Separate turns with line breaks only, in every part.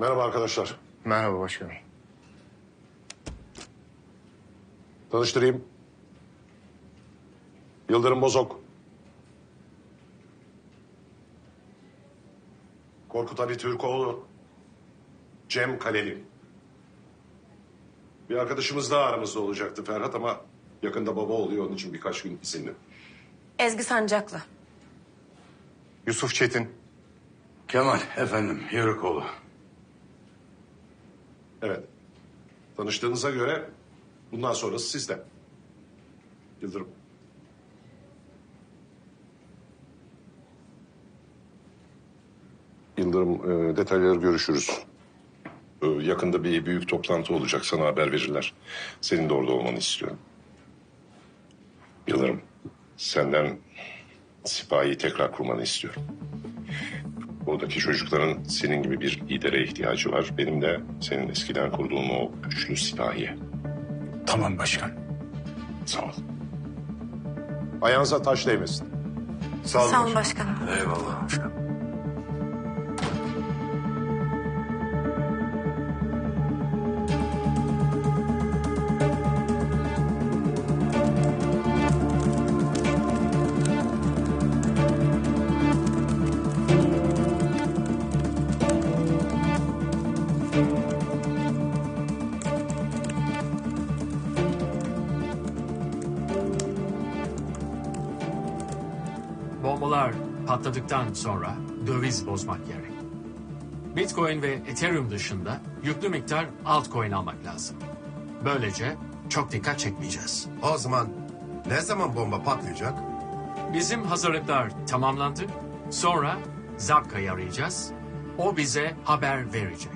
Merhaba arkadaşlar.
Merhaba başkanım.
Tanıştırayım. Yıldırım Bozok. Korkut Ali Türkoğlu. Cem Kaleli. Bir arkadaşımız daha aramızda olacaktı Ferhat ama yakında baba oluyor, onun için birkaç gün izinli.
Ezgi Sancaklı.
Yusuf Çetin.
Kemal efendim Yörükoğlu.
Evet. Tanıştığınıza göre bundan sonrası sizden. Yıldırım. Yıldırım, detayları görüşürüz. Yakında bir büyük toplantı olacak. Sana haber verirler. Senin de orada olmanı istiyorum. Yıldırım, senden sipahi tekrar kurmanı istiyorum. Oradaki çocukların senin gibi bir lidere ihtiyacı var. Benim de senin eskiden kurduğun o güçlü sipahiye.
Tamam başkan.
Sağ ol. Ayağınıza taş değmesin.
Sağ olun.
Sağ olun başkanım.
Eyvallah başkanım.
Bombalar patladıktan sonra döviz bozmak gerek. Bitcoin ve Ethereum dışında yüklü miktar altcoin almak lazım. Böylece çok dikkat çekmeyeceğiz.
O zaman ne zaman bomba patlayacak?
Bizim hazırlıklar tamamlandı. Sonra Zapka'yı arayacağız. O bize haber verecek.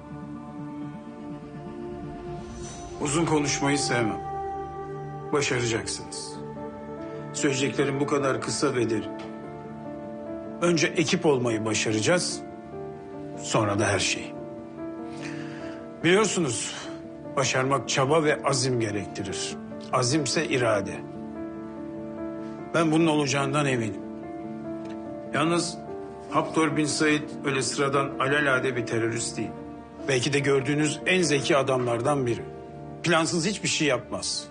Uzun konuşmayı sevmem. Başaracaksınız. Söyleyeceklerim bu kadar kısa ve derin. Önce ekip olmayı başaracağız. Sonra da her şeyi. Biliyorsunuz, başarmak çaba ve azim gerektirir. Azimse irade. Ben bunun olacağından eminim. Yalnız Haftor bin Said öyle sıradan alelade bir terörist değil. Belki de gördüğünüz en zeki adamlardan biri. Plansız hiçbir şey yapmaz.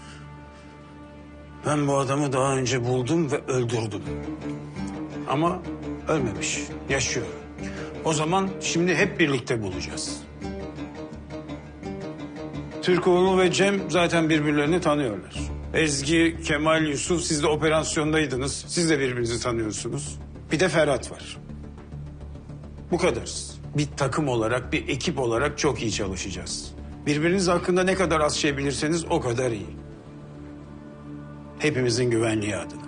Ben bu adamı daha önce buldum ve öldürdüm. Ama ölmemiş, yaşıyor. O zaman şimdi hep birlikte bulacağız. Türkoğlu ve Cem zaten birbirlerini tanıyorlar. Ezgi, Kemal, Yusuf siz de operasyondaydınız. Siz de birbirinizi tanıyorsunuz. Bir de Ferhat var. Bu kadarız. Bir takım olarak, bir ekip olarak çok iyi çalışacağız. Birbiriniz hakkında ne kadar az şey bilirseniz o kadar iyi. Hepimizin güvenliği adına.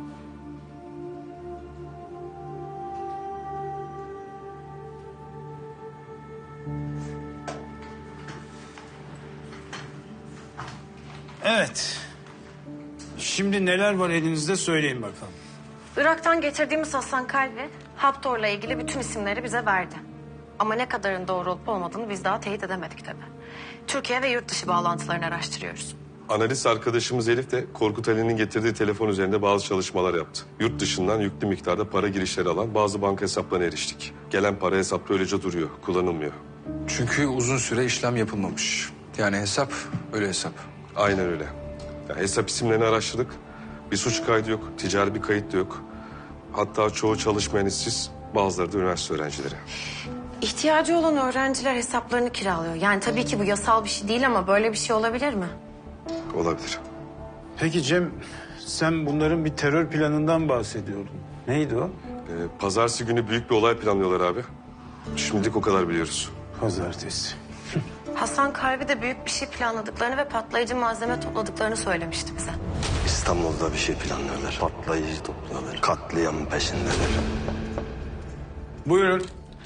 Evet. Şimdi neler var elinizde söyleyin bakalım.
Irak'tan getirdiğimiz Hasan Kalbi, Haptor'la ilgili bütün isimleri bize verdi. Ama ne kadarın doğru olup olmadığını biz daha teyit edemedik tabii. Türkiye ve yurt dışı bağlantılarını araştırıyoruz.
Analist arkadaşımız Elif de Korkut Ali'nin getirdiği telefon üzerinde bazı çalışmalar yaptı. Yurt dışından yüklü miktarda para girişleri alan bazı banka hesaplarına eriştik. Gelen para hesapta öylece duruyor, kullanılmıyor.
Çünkü uzun süre işlem yapılmamış. Yani hesap öyle hesap.
Aynen öyle. Ya hesap isimlerini araştırdık. Bir suç kaydı yok, ticari bir kayıt da yok. Hatta çoğu çalışmayan işsiz, bazıları da üniversite öğrencileri.
İhtiyacı olan öğrenciler hesaplarını kiralıyor. Yani tabii ki bu yasal bir şey değil ama böyle bir şey olabilir mi?
Olabilir.
Peki Cem, sen bunların bir terör planından bahsediyordun. Neydi o?
Pazartesi günü büyük bir olay planlıyorlar abi. Şimdilik o kadar biliyoruz.
Pazartesi.
Hasan Kalbi de büyük bir şey planladıklarını ve patlayıcı malzeme topladıklarını söylemişti bize.
İstanbul'da bir şey planlıyorlar. Patlayıcı topluyorlar. Katliam peşindeler.
Buyurun.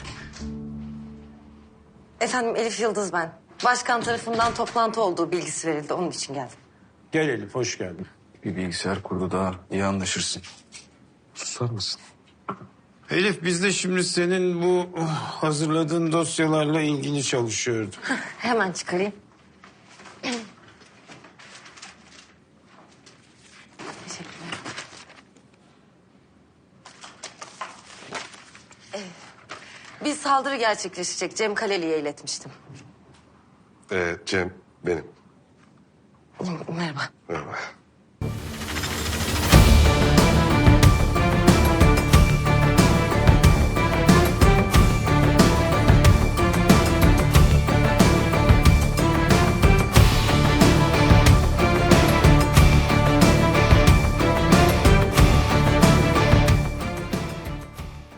Efendim Elif Yıldız ben. Başkan tarafından toplantı olduğu bilgisi verildi. Onun için geldim.
Gel Elif, hoş geldin.
Bir bilgisayar kurdu daha iyi anlaşırsın. Susar mısın?
Elif, biz de şimdi senin bu hazırladığın dosyalarla ilgili çalışıyorduk.
Hemen çıkarayım. Teşekkürler. Evet. Bir saldırı gerçekleşecek. Cem Kaleli'ye iletmiştim.
Cem benim.
Merhaba.
Merhaba.